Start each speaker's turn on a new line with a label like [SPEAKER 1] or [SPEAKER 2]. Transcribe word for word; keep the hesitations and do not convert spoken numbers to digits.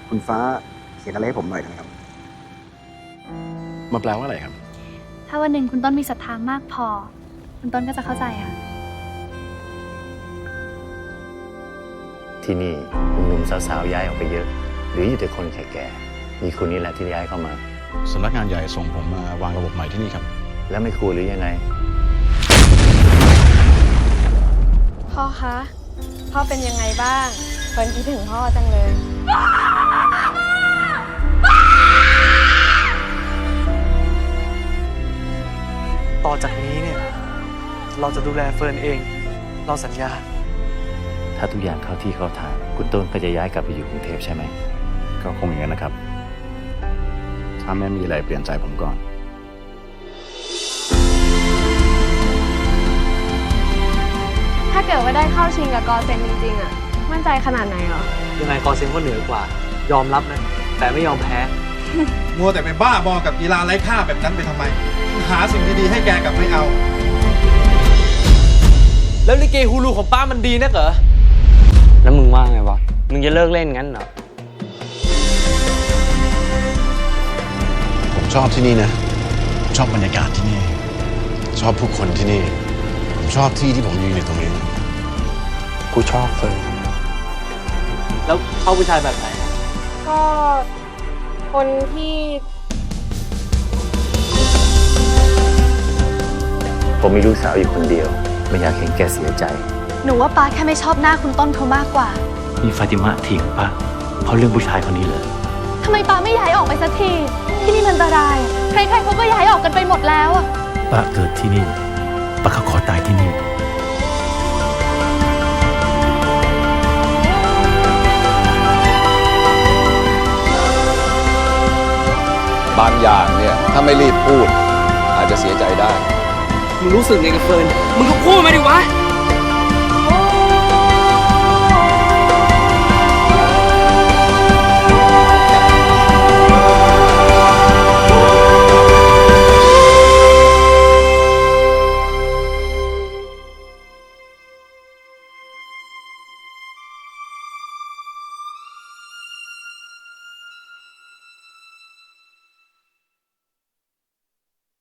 [SPEAKER 1] คุณฟ้าเขียนอะไรให้ผมหน่อยนะครับ
[SPEAKER 2] มาแปลว่าอะไรครับ
[SPEAKER 3] ถ้าวันหนึ่งคุณต้นมีศรัทธามากพอ คุณต้นก็จะเข้าใจค่ะ
[SPEAKER 4] ที่นี่หนุ่มๆสาวๆย้ายออกไปเยอะหรืออยู่แต่คนแก่ๆมีคุณนี่แหละที่ย้ายเข้ามา
[SPEAKER 2] สำนักงานใหญ่ส่งผมมาวางระบบใหม่ที่นี่ครับ
[SPEAKER 4] แล้วไม่ครูหรือยังไง
[SPEAKER 5] พ่อคะ พ่อเป็นยังไงบ้างเฟิร์นคิดถึงพ่อจังเลย
[SPEAKER 6] ต่อจากนี้เนี่ย เราจะดูแลเฟิร์นเอง เราสัญญา
[SPEAKER 4] ถ้าทุกอย่างเข้าที่เข้าทางคุณต้นก็จะย้ายกลับไปอยู่กรุงเทพใช่ไหม
[SPEAKER 2] ก็คงอย่างนั้นนะครับ ถ้าไม่มีอะไรเปลี่ยนใจผมก่อน
[SPEAKER 5] ถ้าเกิดว่าได้เข้าชิงกับกอเซนจริงๆอะมั่นใจขนาดไหนหรอ
[SPEAKER 6] ยังไงกอเซนก็เหนือกว่า ยอมรับนะ แต่ไม่ยอมแพ้
[SPEAKER 7] มัวแต่ไปบ้าบอกับกีฬาไร้ค่าแบบนั้นไปทำไม หาสิ่งดีๆให้แกกลับไม่เอา
[SPEAKER 6] แล้วลิเกฮูลูของป้ามันดีนักเหรอ
[SPEAKER 8] แล้วมึงว่าไงวะ มึงจะเลิกเล่นงั้นเหรอ
[SPEAKER 2] ผมชอบที่นี่นะผมชอบบรรยากาศที่นี่ ชอบผู้คนที่นี่ ผมชอบที่ที่ผมยืนอยู่ตรงนี้
[SPEAKER 8] กูชอบเฟิร์น
[SPEAKER 6] แล้วเข้าผู้ชายแบบไหน
[SPEAKER 5] ก็คนที่
[SPEAKER 4] ผมมีลูกสาวอยู่คนเดียว ไม่อยากเห็นแกเสียใจ
[SPEAKER 3] หนูว่าป้าแค่ไม่ชอบหน้าคุณต้นเขามากกว่า
[SPEAKER 4] นี่ฟาติมะทิ้งป้าเพราะเรื่องผู้ชายคนนี้เลย
[SPEAKER 3] ทำไมป้าไม่ย้ายออกไปสักที ที่นี่มันอันตราย ใครๆเขาก็ย้ายออกกันไปหมดแล้วอะ
[SPEAKER 4] ป้าเกิดที่นี่ป้าก็ขอตายที่นี่
[SPEAKER 9] บางอย่างเนี่ย ถ้าไม่รีบพูด อาจจะเสียใจได้
[SPEAKER 6] มึงรู้สึกไงกับเฟิร์น มึงก็พูดมาดิวะ